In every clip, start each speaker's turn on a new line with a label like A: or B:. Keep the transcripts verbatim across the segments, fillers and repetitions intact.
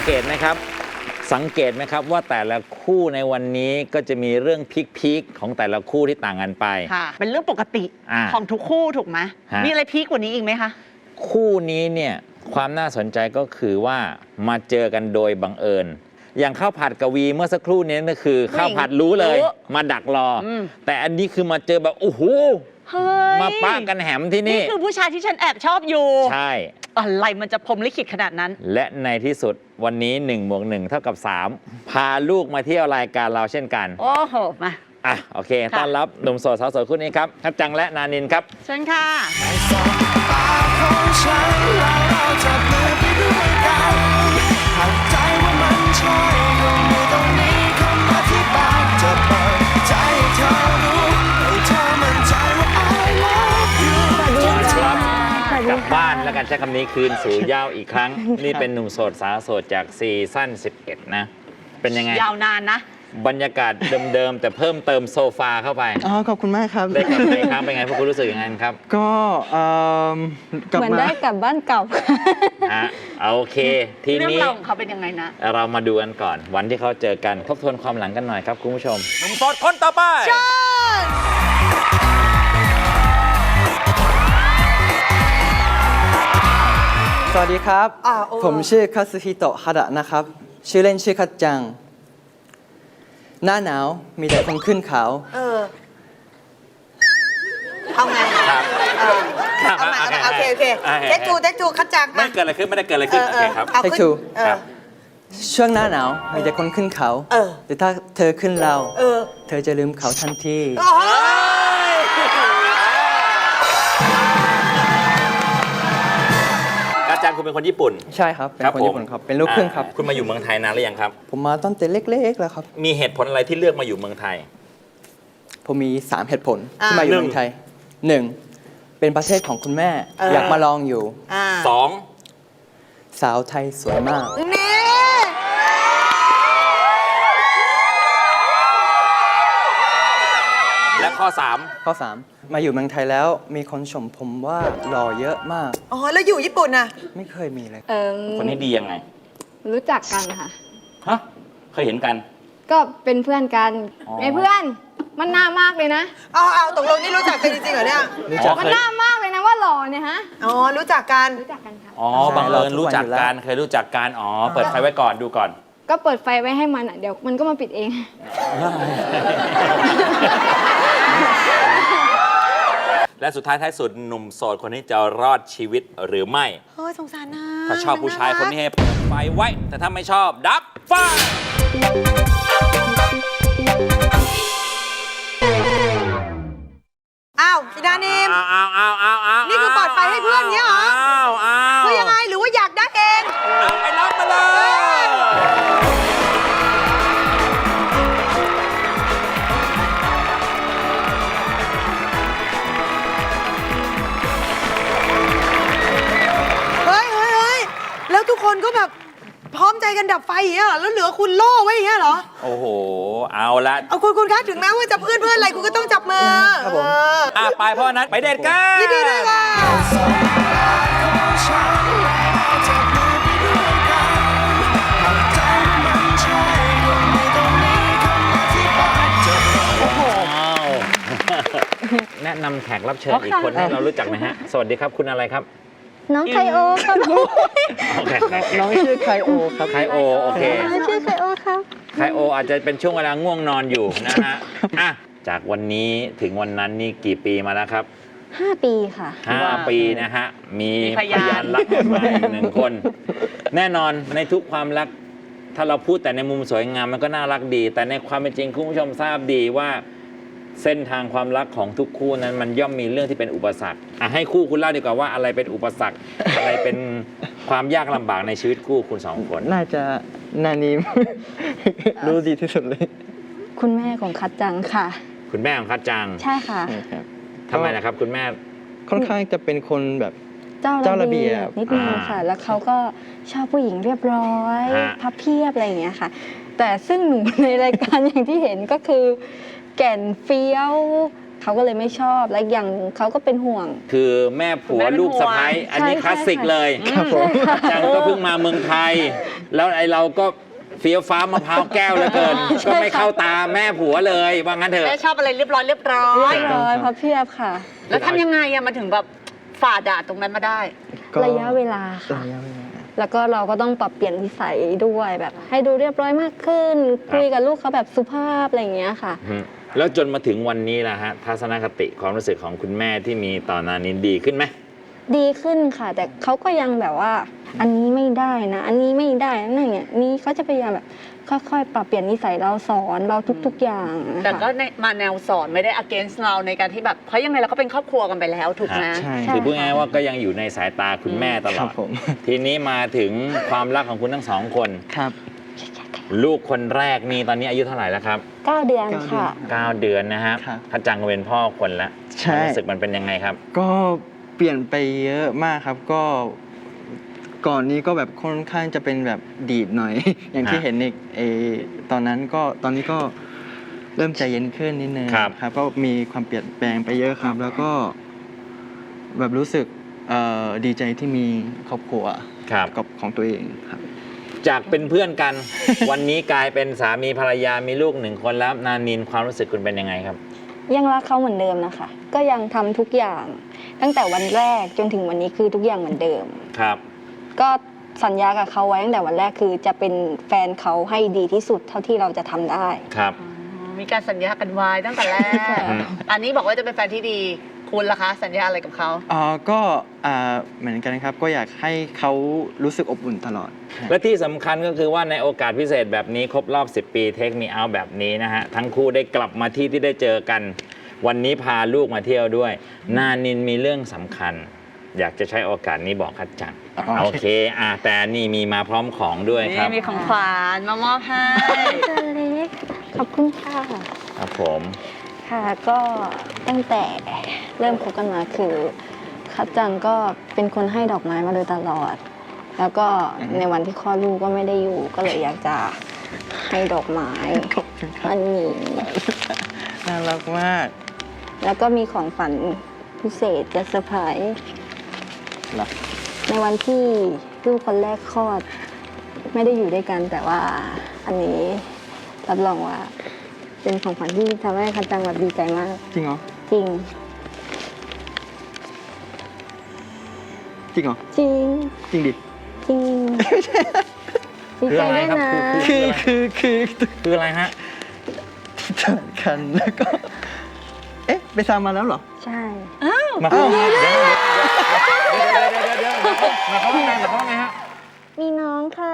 A: เกตไหมครับสังเกตไหมครับว่าแต่ละคู่ในวันนี้ก็จะมีเรื่องพีคๆของแต่ละคู่ที่ต่างกันไป
B: ค่ะเป็นเรื่องปกติของทุกคู่ถูกไหมมีอะไรพีคกว่านี้อีกไหมคะ
A: คู่นี้เนี่ยความน่าสนใจก็คือว่ามาเจอกันโดยบังเอิญอย่างข้าวผัดกวีเมื่อสักครู่นี้ก็คือข้าวผัดรู้เลยมาดักรอแต่อันนี้คือมาเจอแบบโอ้โหมาป้ากันแหมที่นี่
B: นี่คือผู้ชายที่ฉันแอบชอบอยู่
A: ใช่
B: อะไรมันจะพรหมลิขิตขนาดนั้น
A: และในที่สุดวันนี้หนึ่งบวกหนึ่งเท่ากับสามพาลูกมาเที่ยวรายการเราเช่นกัน
B: โอ้โหมา
A: อ่ะโอเคต้อนรับหนุ่มโสดสาวโสดคู่นี้ครับทับจังและนานินครับ
B: เชิญค่ะ
A: กลับบ้านแล้วกันใช้คำนี้คืนสู่เหย้าอีกครั้ง นี่เป็นหนุ่มโสดสาวโสดจากซีซั่นสิบเอ็ดนะเป็นยังไง
B: ยาวนานนะ
A: บรรยากาศเดิมๆแต่เพิ่มเติมโซฟาเข้าไป
C: อ๋อขอบคุณมากครับ
A: ได้กลับไปครั้งเป็นไงพวกคุณรู้สึกยังไงครับ
C: ก็
D: เหมือนได้กลับบ้านเก่า
A: ฮะโอเคทีนี้
B: เรื่องราวของเขาเป็นยังไงนะ
A: เรามาดูกันก่อนวันที่เขาเจอกันทบทวนความหลังกันหน่อยครับคุณผู้ชมหนุ่มโสดคนต่อไป
C: สวัสดีครับผมชื่อคาซึฮิโตะฮาดะนะครับชื่อเล่นชื่อคัตจังหน้าหนาวมีแต่คนขึ้นเขา
E: เออเอาไง
A: ครับ
E: เอาไงโอเคโอเคเจ๊จูเจ๊จูคัดจัง
A: ไม่เกิดอะไรขึ้นไม่ได้เกิดอะไรขึ้นโอเคครับ
C: เจ๊จูช่วงหน้าหนาวมีแต่คนขึ้นเขาแต่ถ้าเธอขึ้นเราเธอจะลืมเขาทันที
A: อาจารย์คุณเป็นคนญี่ปุ่น
C: ใช่ครับเป็นคนญี่ปุ่นครับเป็นลูกครึ่งครับ
A: คุณมาอยู่เมืองไทยนานหรือยังครับ
C: ผมมาตั้งแต่เล็กๆแล้วครับ
A: มีเหตุผลอะไรที่เลือกมาอยู่เมืองไทย
C: ผมมีสามเหตุผลที่มาอยู่เมืองไทยหนึ่งเป็นประเทศของคุณแม่อยากมาลองอยู่
A: สอง
C: สาวไทยสวยมาก
E: นี่
A: และข้อสาม
C: ข้อสามมาอยู่เมืองไทยแล้วมีคนชมผมว่าหล่อเยอะมาก
E: อ๋อแล้วอยู่ญี่ปุ่นน่ะ
C: ไม่เคยมีเลย
A: คนนี้ดียังไง
D: รู้จักกันค่ะ
A: ฮะเคยเห็นกัน
D: ก็เป็นเพื่อนกันไอ้เพื่อนมันน่ามากเลยนะ
E: อ๋อเอาตกลงนี่รู้จักกันจริงๆเหรอเนี่ย
D: มันน่ามากเลยนะว่าหล่อเนี่ยฮะ
E: อ๋อรู้จักกัน
D: รู้จักกันค่ะ
A: อ๋อบังเอิญรู้จักกันเคยรู้จักกันอ๋อเปิดไฟไว้ก่อนดูก่อน
D: ก็เปิดไฟไว้ให้มันอ่ะเดี๋ยวมันก็มาปิดเอง
A: และสุดท้ายท้ายสุดหนุ่มโสดคนนี้จะรอดชีวิตหรือไม่
E: เฮ้ยสงสารนะ
A: ถ้าชอบผู้ชายคนนี้ให้เปิดไฟไว้แต่ถ้าไม่ชอบดับไฟ
E: อ้าวพี่ดานิม
A: อ้าวอ้าวอ้าวอ้าว
E: นี่คือเปิดไฟให้เพื่อนเนี้ยเหรอ
A: อ้าวอ้าว
E: คือยังไงหรือว่าอยากได้เอง
A: ไปรับมาเลย
E: แล้วทุกคนก็แบบพร้อมใจกันดับไฟอย่างเงี้ยเหรอแล้วเหลือคุณโล่ไว้อย่างเงี้ยเหรอ
A: โอ้โหเอาละ
E: เอาคุณคุณคะถึงแม้ว่าจะเพื่อนเพื่อนอะไรคุณก็ต้องจับมือ
C: ครับผม
A: อ่ะไปพ่อนัทไปเดทกัน
E: ยินดีด้วยค่ะ
A: แนะนำแขกรับเชิญอีกคนให้เรารู้จักไหมฮะสวัสดีครับคุณอะไรครับ
D: น้องไคโอครับ
C: น้องชื่อไคโอครับ
A: ไคโอโอเค
D: ชื่อไคโอครับ
A: ไคโออาจจะเป็นช่วงเวลาง่วงนอนอยู่นะฮะอ่ะจากวันนี้ถึงวันนั้นนี่กี่ปีมาแล้วครับ
D: ห้าปีค่ะ
A: ห้าปีนะฮะมีพยานรักออกมาอีกหนึ่งคนแน่นอนในทุกความรักถ้าเราพูดแต่ในมุมสวยงามมันก็น่ารักดีแต่ในความเป็นจริงคุณผู้ชมทราบดีว่าเส้นทางความรักของทุกคู่นั้นมันย่อมมีเรื่องที่เป็นอุปสรรคอ่ะให้คู่คุณเล่าดีกว่าว่าอะไรเป็นอุปสรรค อะไรเป็นความยากลำบากในชีวิตคู่คุณสองคน
C: น่าจะนานิม รู้ดีที่สุดเลย
D: คุณแม่ของคัดจังค่ะ
A: คุณแม่ของคัดจัง
D: ใช่ค่ะ
A: ทำไมนะครับคุณแม่
C: ค่อนข้างจะเป็นคนแบบ
D: เจ้าระเบียบนิดนึงค่ะแล้วเขาก็ชอบผู้หญิงเรียบร้อยพับเพียบอะไรอย่างเงี้ยค่ะแต่ซึ่งหนูในรายการอย่างที่เห็นก็คือแก่นเฟี้ยวเขาก็เลยไม่ชอบและอย่างเขาก็เป็นห่วง
A: คือแม่ผัวลูกสะใภ้อันนี้คลาสสิกเลยจังก็เพิ่งมาเมืองไทยแล้วไอเราก็เฟี้ยวฟ้ามะพร้าวแก้วเหลือเกิน ก็ไม่เข้าตาแม่ผัวเลยว่างั้นเถอะ
B: แม่ชอบอะไรเรียบร้อยเรียบร้อย
D: เรียบร้อยพับเพียบค่ะ
B: แล้วทำยังไงอะมาถึงแบบฝ่าด่านตรงนั้นมาได้
C: ก็
D: ระยะเวลาค่ะ
C: ระยะเวลา
D: แล้วก็เราก็ต้องปรับเปลี่ยนนิสัยด้วยแบบ ให้ดูเรียบร้อยมากขึ้น คุยกับลูกเขาแบบสุภาพอะไรอย่างเงี้ยค่ะ
A: อืมแล้วจนมาถึงวันนี้นะฮะทัศนคติความรู้สึกของคุณแม่ที่มีต่อนานินดีขึ้นไหม
D: ดีขึ้นค่ะ แต่เขาก็ยังแบบว่า อันนี้ไม่ได้นะ อันนี้ไม่ได้นะอย่างเงี้ยนี่เขาจะพยายามแบบค่อยๆ ปรับเปลี่ยนนิสัยเราสอนเราทุก ๆ อย่างนะคะ
B: แต่ก็ในมาแนวสอนไม่ได้ against เราในการที่แบบเพราะยังไงเราก็เป็นครอบครัวกันไปแล้วถูกไหม
C: ใช่
A: คือพูดง่ายๆว่าก็ยังอยู่ในสายตาคุณแม่ตล
C: ค
A: อ
C: รั
A: ด
C: บผม
A: ทีนี้มาถึงความรักของคุณทั้งสองคน
C: ครับ
A: ลูกคนแรกนี่ตอนนี้อายุเท่าไหร่แล้วครับ
D: เก้าเดือนค่ะ
A: เก้าเดือนนะฮะ
C: ครับ
A: พัดจังก็เป็นพ่อคนแล้ว
C: ใช่
A: ความรู้สึกมันเป็นยังไงครับ
C: ก็เปลี่ยนไปเยอะมากครับก็ก่อนนี้ก็แบบค่อนข้างจะเป็นแบบดีดหน่อย อย่างที่
A: ฮะ
C: เห็นในเออตอนนั้นก็ตอนนี้ก็เริ่มใจเย็นขึ้นนิดนึง
A: ครับ
C: ครับ ก็มีความเปลี่ยนแปลงไปเยอะครับ แล้วก็แบบรู้สึกเอ่อดีใจที่มีครอบครัว
A: ครับ
C: กับของตัวเองครับ
A: จากเป็นเพื่อนกัน วันนี้กลายเป็นสามีภรรยามีลูกหนึ่งคนแล้วนานินความรู้สึกคุณเป็นยังไงครับ
D: ยังรักเขาเหมือนเดิมนะคะ ก็ยังทำทุกอย่าง ตั้งแต่วันแรกจนถึงวันนี้คือทุกอย่างเหมือนเดิม
A: ครับ
D: ก็สัญญากับเขาไว้ตั้งแต่วันแรกคือจะเป็นแฟนเขาให้ดีที่สุดเท่าที่เราจะทำได้
A: ครับ
B: มีการสัญญากันไว้ตั้งแต่แรก
A: อืม
B: อันนี้บอกว่าจะเป็นแฟนที่ดี คุณล่ะคะ สัญญาอะไรกับเขา
C: อ่าก็อ่าเหมือนกันครับ ก็อยากให้เขารู้สึกอบอุ่นตลอด
A: และที่สำคัญก็คือว่าในโอกาสพิเศษแบบนี้ครบรอบ สิบ ปีเทคมีเอาแบบนี้นะฮะ ทั้งคู่ได้กลับมาที่ที่ได้เจอกัน วันนี้พาลูกมาเที่ยวด้วย นานินมีเรื่องสำคัญ อยากจะใช้โอกาสนี้บอกคัดจัง
C: อ๋อ
A: โอเคอ่ะแต่นี่มีมาพร้อมของด้วยครับ
B: นี่มีของขวัญมามอบให้
D: ตัวเล็กขอบคุณค่ะ
A: ครับผม
D: ค่ะก็ตั้งแต่เริ่มคบกันมาคือคัดจังก็เป็นคนให้ดอกไม้มาโดยตลอด แล้วก็ในวันที่คลอดลูกก็ไม่ได้อยู่ ก็เลยอยากจะให้ดอกไม้อันนี้
C: น่ารักมาก
D: แล้วก็มีของฝันพิเศษจะเซอร์ไพรส์
C: เหรอ
D: ในวันที่ลูกคนแรกคลอด ไม่ได้อยู่ด้วยกัน แต่ว่าอันนี้รับรองว่า เป็นของขวัญที่ทำให้คัดจังแบบดีใจมาก
C: จริงเหรอ
D: จริง
C: จริงเหรอ
D: จริง
C: จริงดิ
D: จริงดีใจด้วยนะ
C: คือคือคือ
A: คืออะไรฮะ
C: ที่เจอกันแล้วก็ เอ๊ะ ไปซ้ำมาแล้วเหรอ
D: ใช่
A: มาเข้าเดี๋ยวเดี๋ยวเดี๋ยวเดี๋ยวเดี๋ยวมาเข้าห้องน้ำมาเข้าห้องไงฮะ
D: มีน้องค่ะ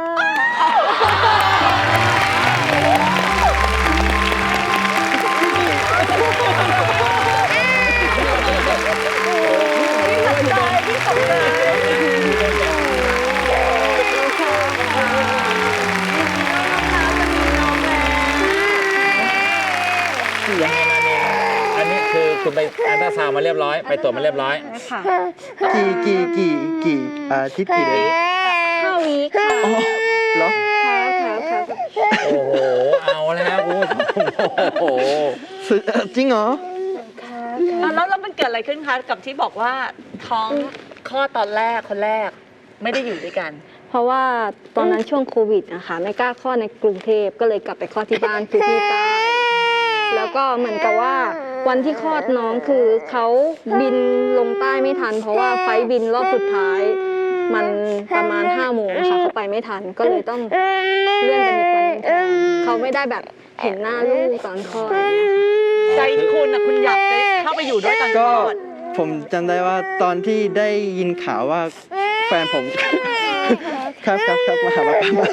A: ยังไงนานินอันนี้คือคุณไปอัลตราซาวด์มาเรียบร้อย ไปตรวจมาเรียบร้อย
D: ค่ะ
C: กี่กี่กี่กี่อาทิตย์กี่เดือน
D: ห้าวีคค่ะ
C: อ๋อเหรอ
D: ครับครับครับ
A: โอ้โห เอาแล้วคุณผู้ชมโอ้โห
C: สุดเอ่อจริงเหรอ
B: แล้วแล้วมันเกิดอะไรขึ้นคะกับที่บอกว่าท้องคลอดตอนแรกคนแรกไม่ได้อยู่ด้วยกัน
D: เพราะว่าตอนนั้นช่วงโควิดนะคะไม่กล้าคลอดในกรุงเทพก็เลยกลับไปคลอดที่บ้านคือที่ใต้แล้วก็เหมือนกับว่าวันที่คลอดน้องคือเขาบินลงใต้ไม่ทัน เพราะว่าไฟล์บินรอบสุดท้าย มันประมาณห้าโมงค่ะเขาไปไม่ทันก็เลยต้องเลื่อนเป็นอีกวันหนึงแทนเขาไม่ได้แบบเห็นหน้าลูกตอนคลอด
B: ใจคุณนะคุณอยากได้เข้าไปอยู่ด้วยตอนค
C: ก็
B: ลอด
C: ผมจำได้ว่าตอนที่ได้ยินข่าวว่าแฟนผม ครับครับครับมาหาป้าป้ามา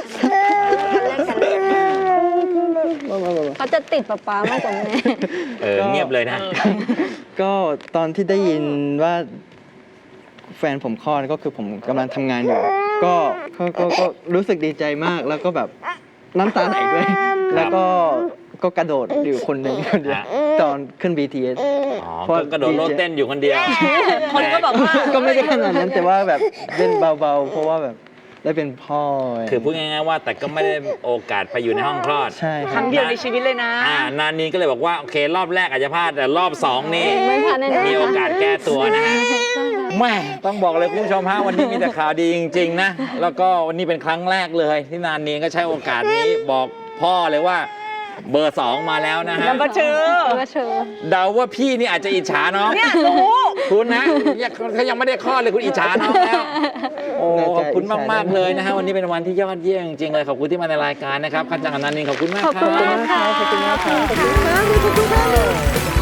C: มามามา
D: เขาจะติดป๊าป๊ามากกว่าแม่
A: เออ เงียบเลยนะ
C: ก็ตอนที่ได้ยินว่าแฟนผมคลอดก็คือผมกำลังทำงานอยู่ ก็ก็ก็ก็รู้สึกดีใจมากแล้วก็แบบน้ำตาไหลด้วย แล้วก็ก็กระโดดอยู่คนหนึ่งคนเดียวตอนขึ้น บี ที เอส
A: อ๋อก็กระโดดโลดเต้นอยู่คนเดียว
B: คนก็บอกว่า
C: ก็ไม่ได้ขนาดนั้นแต่ว่าแบบเล่นเบาๆ เพราะว่าแบบได้เป็นพ่อ
A: คือพูดง่ายๆว่าแต่ก็ไม่ได้โอกาสไปอยู่ในห้องคลอด
C: ใช่ค
B: ค
C: รั
B: รั้
C: บ
B: งเดียวในชีวิตเลยนะ
A: อ่านานีก็เลยบอกว่า โอเค รอบแรกอาจจะพลาด แต่รอบสองนี่
D: ไม่พลาดแน่ๆ
A: มีโอกาสแก้ตัวนะฮะแม่ต้องบอกเลยคุณผู้ชมฮะวันนี้มีแต่ข่าวดีจริง ๆ นะ แล้วก็วันนี้เป็นครั้งแรกเลยที่นานนีก็ใช้โอกาสนี้บอกพ่อเลยว่าเบอร์สองมาแล้วนะฮะ
B: Number two
D: มาเชิญ
A: เดาว่าพี่นี่อาจจะอิจฉาน้อง
B: เนี่ยรู้
A: คุณนะยังเขายังไม่ได้คลอดเลยคุณอิจฉาน้องแล้ว โอ้ขอบคุณมาก ๆ เลยนะฮะ วันนี้เป็นวันที่ยอดเยี่ยมจริงๆเลย ขอบคุณที่มาในรายการนะครับคันจังกับนันนินขอบคุณมาก
D: ขอบคุณ
A: รั
D: มากค่ะ
C: ขอบคุณมากครับ
E: ขอบคุณมากเลย